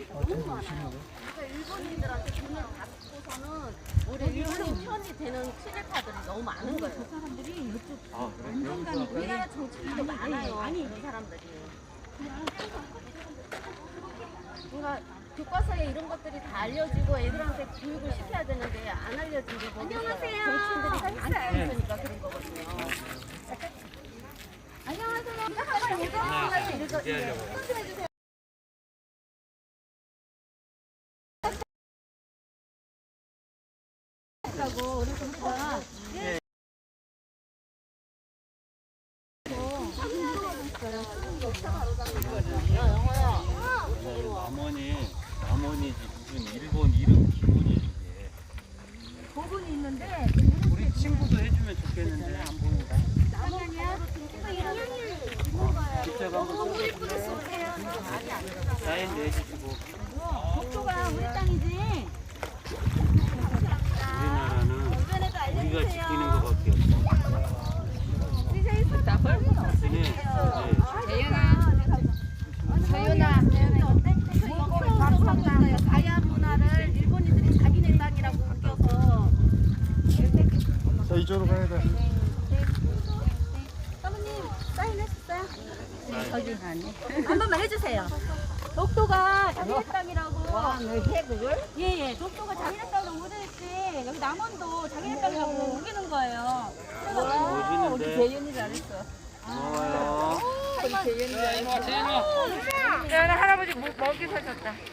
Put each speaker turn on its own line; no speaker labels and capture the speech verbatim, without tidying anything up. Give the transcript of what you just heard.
너무 많아요. 그러니까 일본인들한테 돈을 받고서는 우리 일본인 편이 되는 친일파들이 너무 많은 거예요.
저 사람들이 이쪽
아, 그래?
안정감이
우리나라 정치인도 많아요.
아니
그런 사람들이. 그러니까 교과서에 이런 것들이 다 알려지고 애들한테 교육을 시켜야 되는데 안 알려진 게 뭐겠어요.
안녕하세요.
정치인들이 안 알려주니까 그런 거거든요.
안녕하세요. 한번 읽어보세요.
이거
손좀 해주세요. 라고 그래서 우리가
남원이 남원이지 무슨 일본 이름 기본이 이게.
부분이 있는데
우리 친구도 해주면 좋겠는데 안 보인다.
잠깐만요.
직접 한번 사인 내주시고.
독도가 우리 땅이지.
우리나라는 우리가 지키는 것밖에 없어. 대신에
자연아, 가야 문화를 일본인들이 자기네 땅이라고 웃겨서.
자, 이쪽으로 가야 돼.
사모님 사인했어요? 저기 한 번만 해주세요. 독도가 자기네 땅이라고.
와, 너 해, 그걸?
예예. 독도가 자기네 땅으로 우겨냈지. 여기 남원도 자기네 땅이라고 우기는 거예요.
멋있는데.
우리 재윤이 잘했어.
고마워요.
우리 재윤이 잘했어.
재현아 할아버지 먹이 사줬다.